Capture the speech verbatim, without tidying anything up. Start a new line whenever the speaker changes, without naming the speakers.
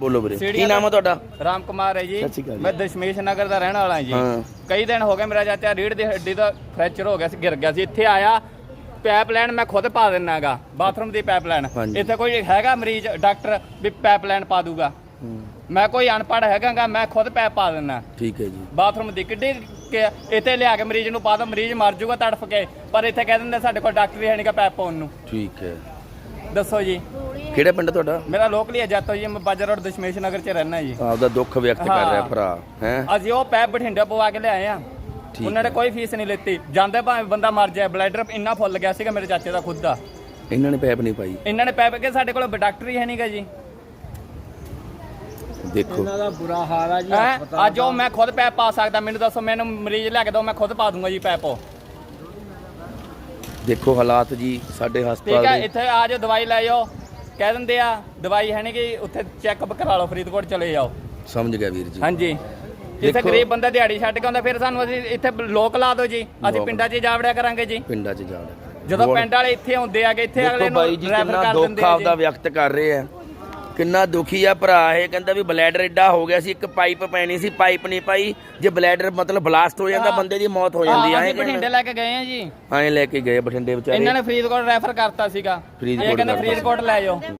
ਬੋਲੋ ਵੀਰੇ, ਕੀ ਨਾਮ ਹੈ ਤੁਹਾਡਾ?
ਰਾਮ ਕੁਮਾਰ ਹੈ ਜੀ।
ਸਤਿ ਸ਼੍ਰੀ ਅਕਾਲ ਜੀ।
ਮੈਂ ਦਸ਼ਮੇਸ਼ ਨਗਰ ਦਾ ਰਹਿਣ ਵਾਲਾ ਜੀ।
ਹਾਂ।
ਕਈ ਦਿਨ ਹੋ ਗਏ ਮੇਰਾ ਚਾਚਾ ਰੀੜ ਦੀ ਹੱਡੀ ਦਾ ਫ੍ਰੈਕਚਰ ਹੋ ਗਿਆ ਸੀ, ਗਿਰ ਗਿਆ ਸੀ। ਇੱਥੇ ਆਇਆ, ਪਾਈਪਲਾਈਨ ਮੈਂ ਖੁਦ ਪਾ ਦਿੰਨਾ ਹੈਗਾ, ਬਾਥਰੂਮ ਦੀ ਪਾਈਪਲਾਈਨ। ਇੱਥੇ ਕੋਈ ਹੈਗਾ ਮਰੀਜ਼ ਡਾਕਟਰ ਵੀ ਪਾਈਪਲਾਈਨ ਪਾ ਦੂਗਾ? ਮੈਂ ਕੋਈ ਅਨਪੜ੍ਹ ਹੈਗਾ, ਮੈਂ ਖੁਦ ਪੈਪ ਪਾ ਦਿੰਨਾ।
ਠੀਕ ਹੈ ਜੀ।
ਬਾਥਰੂਮ ਦੀ ਕਿੱਡੀ ਇੱਥੇ ਲਿਆ ਕੇ ਮਰੀਜ਼ ਨੂੰ ਪਾ ਦੋ, ਮਰੀਜ਼ ਮਰ ਜਾਊਗਾ ਤੜਫ ਕੇ, ਪਰ ਇੱਥੇ ਕਹਿ ਦਿੰਦੇ ਸਾਡੇ ਕੋਲ ਡਾਕਟਰ ਹੀ ਹੈ ਨਹੀਂਗਾ ਪੈਪ ਪਾਉਣ ਨੂੰ।
ਠੀਕ ਹੈ।
ਦੱਸੋ ਜੀ,
ਕਿਹੜਾ ਪਿੰਡ ਤੁਹਾਡਾ?
ਮੇਰਾ ਲੋਕਲੀ ਹੈ ਜੱਤੋ ਜੀ, ਮੈਂ ਬਾਜਾ ਰੋਡ ਦਸ਼ਮੇਸ਼ ਨਗਰ ਚ ਰਹਿਣਾ ਜੀ।
ਆਪਦਾ ਦੁੱਖ ਵਿਅਕਤ ਕਰ ਰਿਹਾ ਭਰਾ ਹੈ।
ਅਸੀਂ ਉਹ ਪੈਪ ਬਠਿੰਡੇ ਪਵਾ ਕੇ ਲਿਆਏ ਆ, ਉਹਨਾਂ ਨੇ ਕੋਈ ਫੀਸ ਨਹੀਂ ਲਿੱਤੀ। ਜਾਂਦੇ ਭਾਵੇਂ ਬੰਦਾ ਮਰ ਜਾਏ, ਬਲੈਡਰ ਇੰਨਾ ਫੁੱਲ ਗਿਆ ਸੀਗਾ ਮੇਰੇ ਚਾਚੇ ਦਾ ਖੁਦ ਦਾ।
ਇਹਨਾਂ ਨੇ ਪੈਪ ਨਹੀਂ ਪਾਈ?
ਇਹਨਾਂ ਨੇ ਪੈਪ ਕੇ ਸਾਡੇ ਕੋਲ ਡਾਕਟਰ ਹੀ ਹੈ ਨਹੀਂਗਾ ਜੀ।
ਦੇਖੋ
ਇਹਨਾਂ ਦਾ ਬੁਰਾ ਹਾਲ ਆ ਜੀ।
ਅੱਜ ਉਹ ਮੈਂ ਖੁਦ ਪੈਪ ਪਾ ਸਕਦਾ, ਮੈਨੂੰ ਦੱਸੋ, ਮੈਨੂੰ ਮਰੀਜ਼ ਲੈ ਕੇ ਦਿਓ, ਮੈਂ ਖੁਦ ਪਾ ਦੂੰਗਾ ਜੀ ਪੈਪ।
ਦੇਖੋ ਹਾਲਾਤ ਜੀ ਸਾਡੇ ਹਸਪਤਾਲ
ਠੀਕ ਹੈ,
ਦੇ।
ਇੱਥੇ ਆ ਜਾਓ, ਦਵਾਈ ਲੈ ਜਾਓ, ਕਹਿ ਦਿੰਦੇ ਆ ਦਵਾਈ ਹੈ ਨਹੀਂ ਕਿ ਉੱਥੇ ਚੈੱਕਅਪ ਕਰਾ ਲਓ, ਫਰੀਦਕੋਟ ਚਲੇ ਜਾਓ।
ਸਮਝ ਗਿਆ ਵੀਰ ਜੀ।
ਹਾਂਜੀ, ਇੱਥੇ ਗਰੀਬ ਬੰਦਾ ਦਿਹਾੜੀ ਛੱਡ ਕੇ ਆਉਂਦਾ, ਫਿਰ ਸਾਨੂੰ ਅਸੀਂ ਇੱਥੇ ਲੋਕ ਲਾ ਦਿਓ ਜੀ, ਅਸੀਂ ਪਿੰਡਾਂ 'ਚ ਜਾ ਵੜਿਆ ਕਰਾਂਗੇ ਜੀ।
ਪਿੰਡਾਂ 'ਚ ਜਾ ਵੜਿਆ
ਜਦੋਂ ਪਿੰਡ ਵਾਲੇ ਇੱਥੇ ਆਉਂਦੇ ਆਗੇ, ਇੱਥੇ ਅਗਲੇ ਨੂੰ
ਬਾਈ ਜੀ
ਰੈਫਰ
ਕਿੰਨਾ
ਕਰ
ਦੁੱਖ
ਦਿੰਦੇ ਆ
ਆਪਦਾ
ਜੀ।
ਵਿਅਕਤ ਕਰ ਰਹੇ ਆ, ਕਿੰਨਾ ਦੁਖੀ ਆ ਭਰਾ ਇਹ। ਕਹਿੰਦਾ ਵੀ ਬਲੈਡਰ ਏਡਾ ਹੋ ਗਿਆ ਸੀ, ਇੱਕ ਪਾਈਪ ਪੈਣੀ ਸੀ, ਪਾਈਪ ਨਹੀਂ ਪਾਈ। ਜੇ ਬਲੈਡਰ ਮਤਲਬ ਬਲਾਸਟ ਹੋ ਜਾਂਦਾ, ਬੰਦੇ ਦੀ ਮੌਤ ਹੋ ਜਾਂਦੀ
ਹਾਂ,
ਐ।
ਅਸੀਂ ਬਠਿੰਡੇ ਲੈ ਕੇ ਗਏ ਆ ਜੀ,
ਐਂ ਲੈ ਕੇ ਗਏ ਬਠਿੰਡੇ ਵਿਚਾਰੇ।
ਇਹਨਾਂ ਨੇ ਫਰੀਦਕੋਟ ਰੈਫਰ ਕਰਤਾ ਸੀਗਾ, ਇਹ ਕਹਿੰਦੇ ਫਰੀਦਕੋਟ ਲੈ ਜਾਓ।